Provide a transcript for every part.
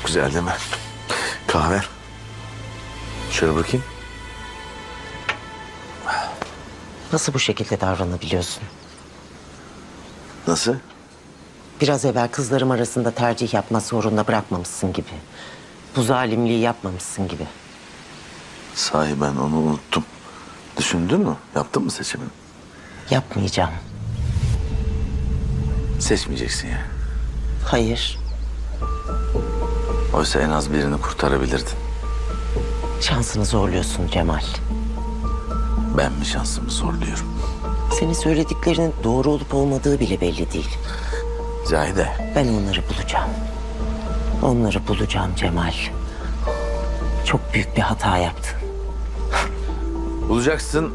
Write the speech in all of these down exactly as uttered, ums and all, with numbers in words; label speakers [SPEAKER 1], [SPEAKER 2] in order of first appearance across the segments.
[SPEAKER 1] güzel değil mi? Kahve. Şöyle bakayım.
[SPEAKER 2] Nasıl bu şekilde davranabiliyorsun?
[SPEAKER 1] Nasıl?
[SPEAKER 2] Biraz evvel kızlarım arasında tercih yapma zorunda bırakmamışsın gibi. Bu zalimliği yapmamışsın gibi.
[SPEAKER 1] Sahi ben onu unuttum. Düşündün mü? Yaptın mı seçimini?
[SPEAKER 2] Yapmayacağım.
[SPEAKER 1] Seçmeyeceksin ya.
[SPEAKER 2] Hayır.
[SPEAKER 1] Oysa en az birini kurtarabilirdin.
[SPEAKER 2] Şansını zorluyorsun Cemal.
[SPEAKER 1] Ben mi şansımı zorluyorum?
[SPEAKER 2] Senin söylediklerinin doğru olup olmadığı bile belli değil.
[SPEAKER 1] Cahide.
[SPEAKER 2] Ben onları bulacağım. Onları bulacağım Cemal. Çok büyük bir hata yaptın.
[SPEAKER 1] Bulacaksın.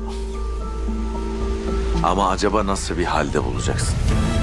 [SPEAKER 1] Ama acaba nasıl bir halde bulacaksın?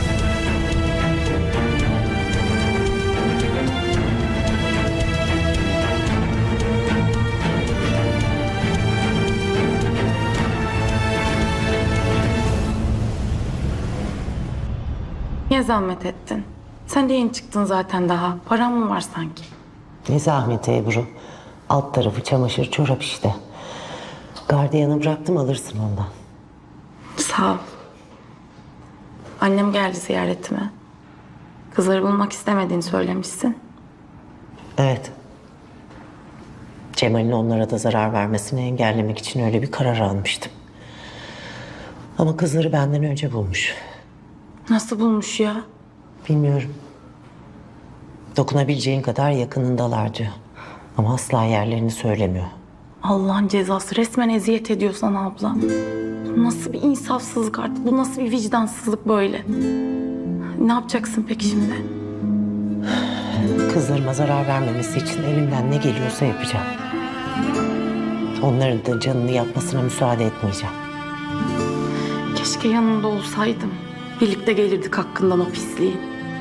[SPEAKER 3] Niye zahmet ettin? Sen de yeni çıktın zaten daha. Param mı var sanki?
[SPEAKER 2] Ne zahmeti Ebru. Alt tarafı çamaşır çorap işte. Gardiyanı bıraktım, alırsın ondan.
[SPEAKER 3] Sağ ol. Annem geldi ziyaretime. Kızları bulmak istemediğini söylemişsin.
[SPEAKER 2] Evet. Cemal'in onlara da zarar vermesini engellemek için öyle bir karar almıştım. Ama kızları benden önce bulmuş.
[SPEAKER 3] Nasıl bulmuş ya?
[SPEAKER 2] Bilmiyorum. Dokunabileceğin kadar yakınındalar diyor. Ama asla yerlerini söylemiyor.
[SPEAKER 3] Allah'ın cezası, resmen eziyet ediyor sana abla. Bu nasıl bir insafsızlık artık? Bu nasıl bir vicdansızlık böyle? Ne yapacaksın peki şimdi?
[SPEAKER 2] Kızlarıma zarar vermemesi için elimden ne geliyorsa yapacağım. Onların da canını yakmasına müsaade etmeyeceğim.
[SPEAKER 3] Keşke yanında olsaydım. Birlikte gelirdik hakkından o pisliği.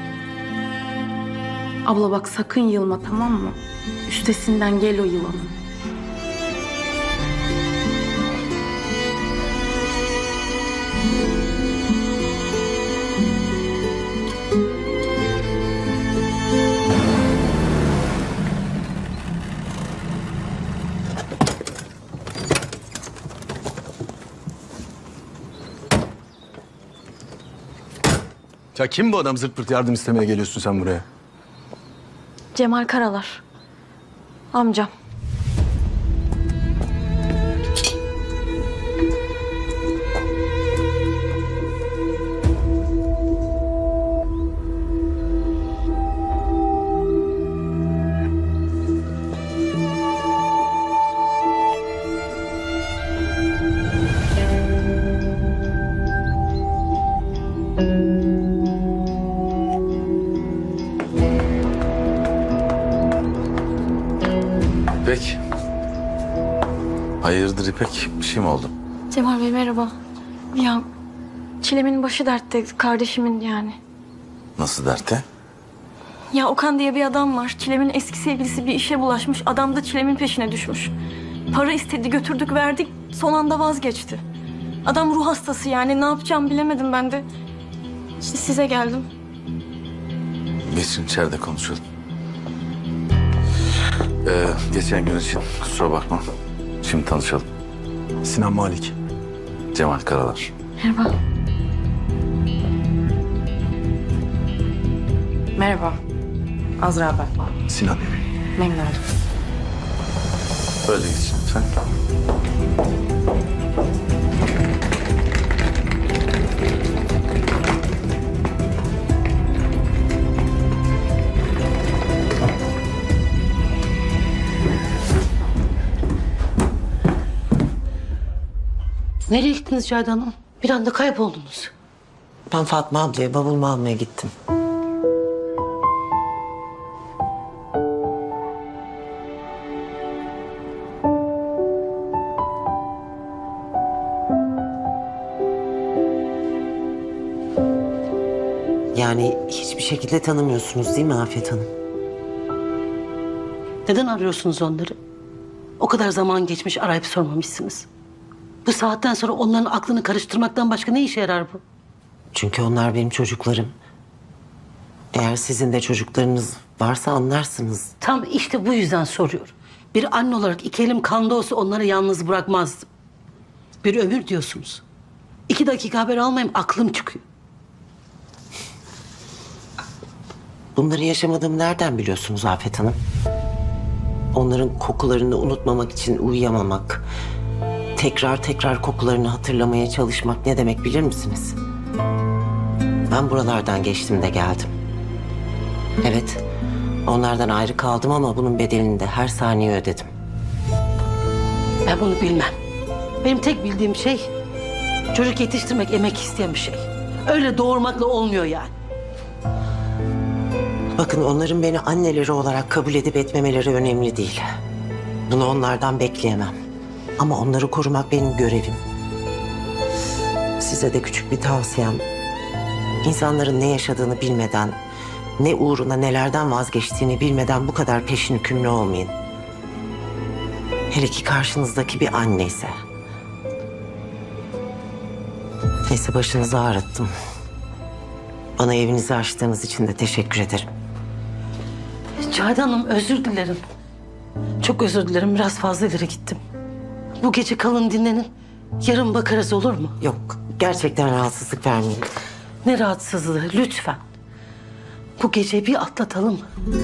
[SPEAKER 3] Abla bak, sakın yılma, tamam mı? Üstesinden gel o yılanın.
[SPEAKER 4] Ya kim bu adam, zırt pırt yardım istemeye geliyorsun sen buraya?
[SPEAKER 5] Cemal Karalar. Amcam.
[SPEAKER 1] İpek. Hayırdır İpek? Bir şey mi oldu?
[SPEAKER 5] Cemal Bey merhaba. Ya Çilem'in başı dertte, kardeşimin yani.
[SPEAKER 1] Nasıl dertte?
[SPEAKER 5] Ya Okan diye bir adam var. Çilem'in eski sevgilisi bir işe bulaşmış. Adam da Çilem'in peşine düşmüş. Para istedi, götürdük, verdik. Son anda vazgeçti. Adam ruh hastası yani. Ne yapacağımı bilemedim ben de. İşte size geldim.
[SPEAKER 1] Geçin içeride konuşalım. Ee, geçen gün için kusura bakma. Şimdi tanışalım.
[SPEAKER 4] Sinan Malik.
[SPEAKER 1] Cemal Karalar.
[SPEAKER 5] Merhaba.
[SPEAKER 3] Merhaba. Azra ben.
[SPEAKER 4] Sinan.
[SPEAKER 3] Memnun oldum.
[SPEAKER 1] Böyle geçin lütfen.
[SPEAKER 6] Nereye gittiniz Cahide Hanım? Bir anda kayboldunuz.
[SPEAKER 2] Ben Fatma ablaya bavulumu almaya gittim. Yani hiçbir şekilde tanımıyorsunuz değil mi Afet Hanım?
[SPEAKER 6] Neden arıyorsunuz onları? O kadar zaman geçmiş, arayıp sormamışsınız. Bu saatten sonra onların aklını karıştırmaktan başka ne işe yarar bu?
[SPEAKER 2] Çünkü onlar benim çocuklarım. Eğer sizin de çocuklarınız varsa anlarsınız.
[SPEAKER 6] Tam işte bu yüzden soruyorum. Bir anne olarak iki elim kanda olsa onları yalnız bırakmazdım. Bir ömür diyorsunuz. İki dakika haber almayayım aklım çıkıyor.
[SPEAKER 2] Bunları yaşamadığımı nereden biliyorsunuz Afet Hanım? Onların kokularını unutmamak için uyuyamamak, tekrar tekrar kokularını hatırlamaya çalışmak ne demek bilir misiniz? Ben buralardan geçtim de geldim. Evet, onlardan ayrı kaldım ama bunun bedelini de her saniye ödedim.
[SPEAKER 6] Ben bunu bilmem. Benim tek bildiğim şey çocuk yetiştirmek emek isteyen bir şey. Öyle doğurmakla olmuyor yani.
[SPEAKER 2] Bakın onların beni anneleri olarak kabul edip etmemeleri önemli değil. Bunu onlardan bekleyemem. Ama onları korumak benim görevim. Size de küçük bir tavsiyem. İnsanların ne yaşadığını bilmeden, ne uğruna nelerden vazgeçtiğini bilmeden bu kadar peşin hükümlü olmayın. Hele ki karşınızdaki bir anneyse. Neyse başınızı ağrıttım. Bana evinizi açtığınız için de teşekkür ederim.
[SPEAKER 6] Cahide Hanım özür dilerim. Çok özür dilerim. Biraz fazla ileri gittim. Bu gece kalın dinlenin. Yarın bakarız olur mu?
[SPEAKER 2] Yok, gerçekten rahatsızlık vermeyin.
[SPEAKER 6] Ne rahatsızlığı lütfen. Bu geceyi bir atlatalım.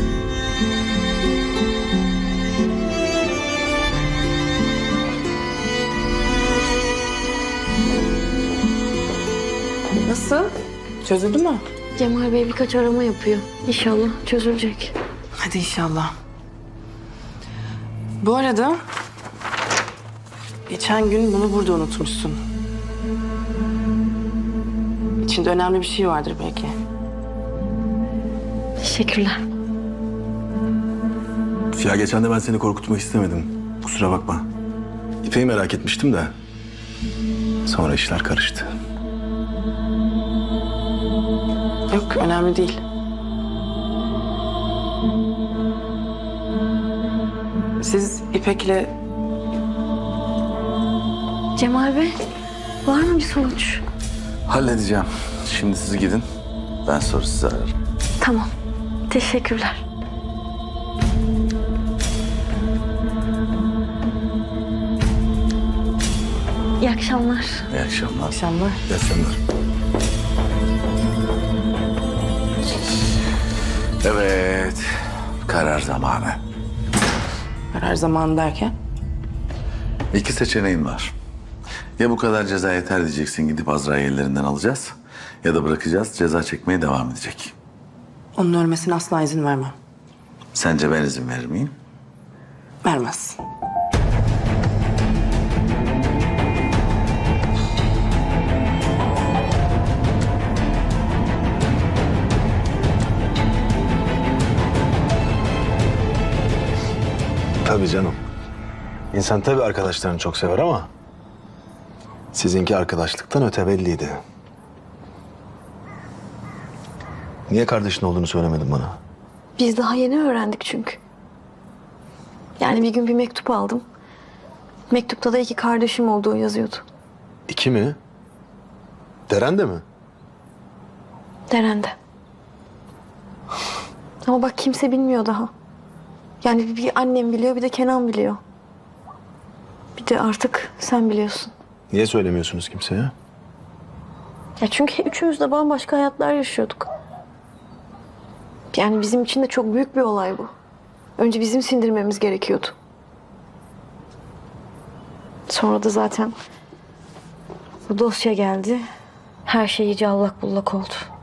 [SPEAKER 7] Nasıl? Çözüldü mü?
[SPEAKER 5] Cemal Bey birkaç arama yapıyor. İnşallah çözülecek.
[SPEAKER 7] Hadi inşallah. Bu arada geçen gün bunu burada unutmuşsun. İçinde önemli bir şey vardır belki.
[SPEAKER 5] Teşekkürler.
[SPEAKER 4] Ya geçen de ben seni korkutmak istemedim. Kusura bakma. İpek'i merak etmiştim de. Sonra işler karıştı.
[SPEAKER 7] Yok, önemli değil. Siz İpek'le
[SPEAKER 5] Cemal Bey, var mı bir sonuç?
[SPEAKER 1] Halledeceğim. Şimdi siz gidin. Ben sonra sizi ararım.
[SPEAKER 5] Tamam. Teşekkürler. İyi akşamlar.
[SPEAKER 1] İyi akşamlar.
[SPEAKER 7] akşamlar.
[SPEAKER 4] İyi akşamlar.
[SPEAKER 1] Evet. Karar zamanı.
[SPEAKER 7] Karar zamanı derken?
[SPEAKER 1] İki seçeneğin var. Ya bu kadar ceza yeter diyeceksin, gidip Azra'yı ellerinden alacağız. Ya da bırakacağız, ceza çekmeye devam edecek.
[SPEAKER 7] Onun ölmesine asla izin vermem.
[SPEAKER 1] Sence ben izin verir miyim?
[SPEAKER 7] Vermez.
[SPEAKER 4] Tabii canım. İnsan tabii arkadaşlarını çok sever ama sizinki arkadaşlıktan öte belliydi. Niye kardeşin olduğunu söylemedin bana?
[SPEAKER 5] Biz daha yeni öğrendik çünkü. Yani bir gün bir mektup aldım. Mektupta da iki kardeşim olduğu yazıyordu.
[SPEAKER 4] İki mi? Deren de mi?
[SPEAKER 5] Deren'de. Ama bak kimse bilmiyor daha. Yani bir annem biliyor, bir de Kenan biliyor. Bir de artık sen biliyorsun.
[SPEAKER 4] Niye söylemiyorsunuz kimseye?
[SPEAKER 5] Ya çünkü üçümüz de bambaşka hayatlar yaşıyorduk. Yani bizim için de çok büyük bir olay bu. Önce bizim sindirmemiz gerekiyordu. Sonra da zaten bu dosya geldi. Her şey iyice allak bullak oldu.